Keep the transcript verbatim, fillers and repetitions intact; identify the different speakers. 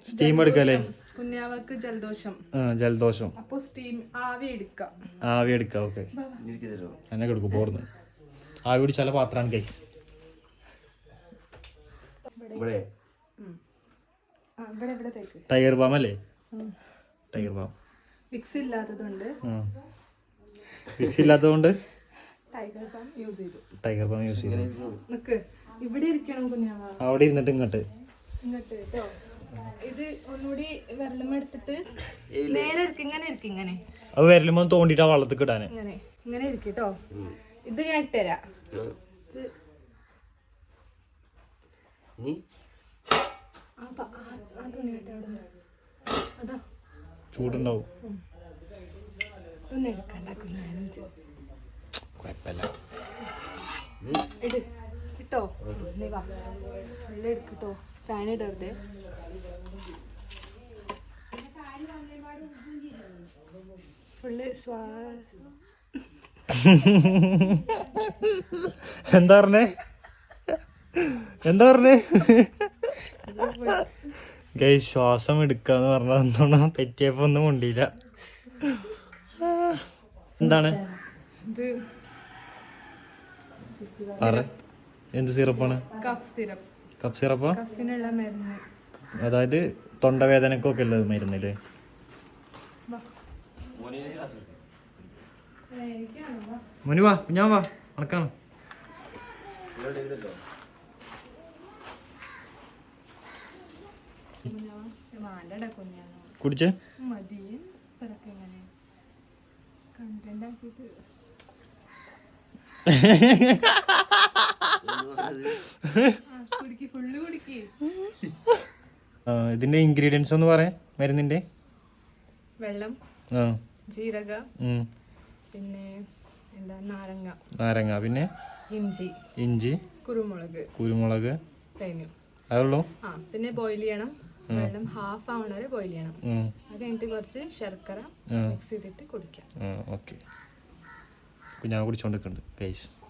Speaker 1: Steam എടുക്കല്ലേ?
Speaker 2: കുഞ്ഞാവക്ക് ജലദോഷം.
Speaker 1: ജലദോഷം.
Speaker 2: അപ്പൊ സ്റ്റീം ആവി എടുക്കാം.
Speaker 1: ആവി എടുക്കാം. ഓക്കെ, എന്നെ കൊടുക്കും. പോർന്ന് ആവി പിടിച്ചാല പാത്രാണ് ഗൈസ്. ടൈഗർ ബാം അല്ലേ? Tiger Balm.
Speaker 2: വിക്സ് ഇല്ലാത്തതുകൊണ്ട്
Speaker 1: വിക്സ് ഇല്ലാത്തതുകൊണ്ട്
Speaker 2: ടൈഗർ ബാം യൂസ് ചെയ്തു.
Speaker 1: ടൈഗർ ബാം യൂസ് ചെയ്തു.
Speaker 2: നിക്ക് ഇവിടെ ഇരിക്കണം കുഞ്ഞാവ.
Speaker 1: അവിടെ ഇരുന്നിട്ട് ഇങ്ങോട്ട്
Speaker 2: ഇങ്ങോട്ട് കേട്ടോ. ഇത് ഒന്നുകൂടി വെള്ളം എടുത്തിട്ട് നേരെ ഇരിക്കും. ഇങ്ങനെ ഇരിക്കും. ഇങ്ങനെ
Speaker 1: അത് വിരലുമ്പോ തോണ്ടിട്ടാ വള്ളത്തിൽ ഇടാന്.
Speaker 2: ഇങ്ങനെ ഇങ്ങനെ ഇരിക്കും കേട്ടോ. ഇത് ഞാൻ ഇട്ടുതരാം. അതാ
Speaker 1: ചൂടുണ്ടാവും.
Speaker 2: ഒന്നും എടുക്കണ്ട കുഞ്ഞാനു.
Speaker 1: കുഴപ്പമില്ല.
Speaker 2: ഇട് ഇട്ടോ. നീ വാ. വെള്ളം എടുക്കട്ടോ. ഫാൻ ഇടരുതേ. ഫുള്ള് ശ്വാസം.
Speaker 1: എന്താ പറഞ്ഞേ? എന്താ പറഞ്ഞേ? ഗൈ ശ്വാസം എടുക്കാന്ന് പറഞ്ഞ എന്താണ് തെറ്റിയപ്പോ ഒന്നും കൊണ്ടില്ല. എന്താണ് എന്ത് സിറപ്പാണ്?
Speaker 2: Cough syrup.
Speaker 1: കഫ് സിറപ്പാ?
Speaker 2: കഫിനുള്ള മരുന്ന്.
Speaker 1: അതായത് തൊണ്ടവേദനക്കൊക്കെ ഉള്ളത് മരുന്നില്ലേ? മുനി വാ, ഞാൻ വാ, അണക്കാണ്. കുടിച്ചേ
Speaker 2: മതി. കണ്ടന്റ് ആക്കിട്ട് ഫുള്ള് കുടിക്ക്.
Speaker 1: ഇതിന്റെ ഇൻഗ്രീഡിയൻസ് ഒന്ന് പറയാം മരുന്നിന്റെ.
Speaker 2: വെള്ളം, ജീരക, പിന്നെ എന്താ നാരങ്ങ
Speaker 1: നാരങ്ങ പിന്നെ
Speaker 2: ഇഞ്ചി
Speaker 1: ഇഞ്ചി
Speaker 2: കുരുമുളക്
Speaker 1: കുരുമുളക്
Speaker 2: കഴിഞ്ഞു.
Speaker 1: അതുള്ളൂ. ആ
Speaker 2: പിന്നെ ബോയിൽ ചെയ്യണം. വെള്ളം ഹാഫ് ആവണ വരെ ബോയിൽ ചെയ്യണം. അത് കഴിഞ്ഞിട്ട് കുറച്ച് ശർക്കര മിക്സ് ചെയ്തിട്ട് കുടിക്കാം.
Speaker 1: ഓക്കെ, ഞാൻ കുടിച്ചോണ്ടിരിക്കുന്നുണ്ട് ഗൈസ്.